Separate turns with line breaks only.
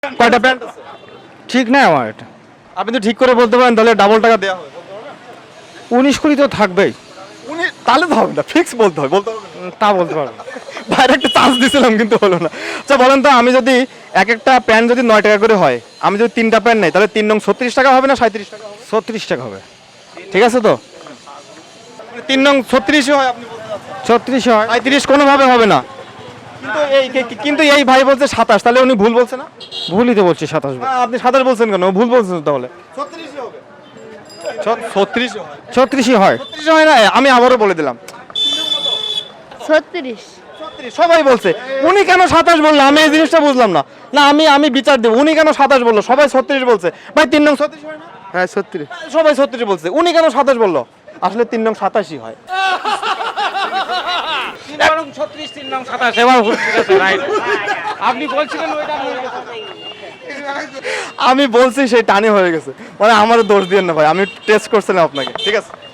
কয়টা প্যান্ট আছে?
ঠিক না আমার এটা।
আপনি তো ঠিক করে বলতে পারেন, তাহলে ডাবল টাকা দেওয়া হবে।
19 তো থাকবেই।
উনি তাহলে তো হবে না, ফিক্স বলতে হবে, বলতে হবে না।
তা বলতে পারবো।
বাইরে একটা চান্স দিয়েছিলাম কিন্তু হলো না। আচ্ছা বলেন তো, আমি যদি এক একটা প্যান্ট যদি 9 টাকা করে হয়, আমি যদি 3টা প্যান্ট নেই, তাহলে 3 নং 36 টাকা হবে না 37 টাকা হবে?
36 টাকা হবে।
ঠিক আছে তো, 3 নং 36 হয়, আপনি বলতে চাচ্ছেন
36 হয়।
35 কোনোভাবে হবে না। কিন্তু এই ভাই বলছে 27, তাহলে উনি ভুল বলছে না?
ভুলই তো বলছি 27
আপনি 27 বলছেন কেন? ও ভুল বলছেন তো তাহলে। 36 হবে। 36 হয়।
36 হয়।
36 হয় না, আমি আবারও বলে দিলাম।
36
36 সবাই বলছে। উনি কেন 27 বললো, আমি এই জিনিসটা বুঝলাম না। না, আমি বিচার দেব, উনি কেন 27 বললো? সবাই 36 বলছে। ভাই 3 নং 36 হয় না?
হ্যাঁ 36।
সবাই 36 বলছে, উনি কেন 27 বললো? আসলে 3 নং 87 হয়।
3 নং 36, 3 নং 27 এবার ঠিক আছে রাইট। আপনি বলছিলেন ওইটা
আমি বলছি সেই টানে হয়ে গেছে, মানে আমারও দোষ দিয়েন না ভাই, আমি টেস্ট করছিলাম আপনাকে। ঠিক আছে।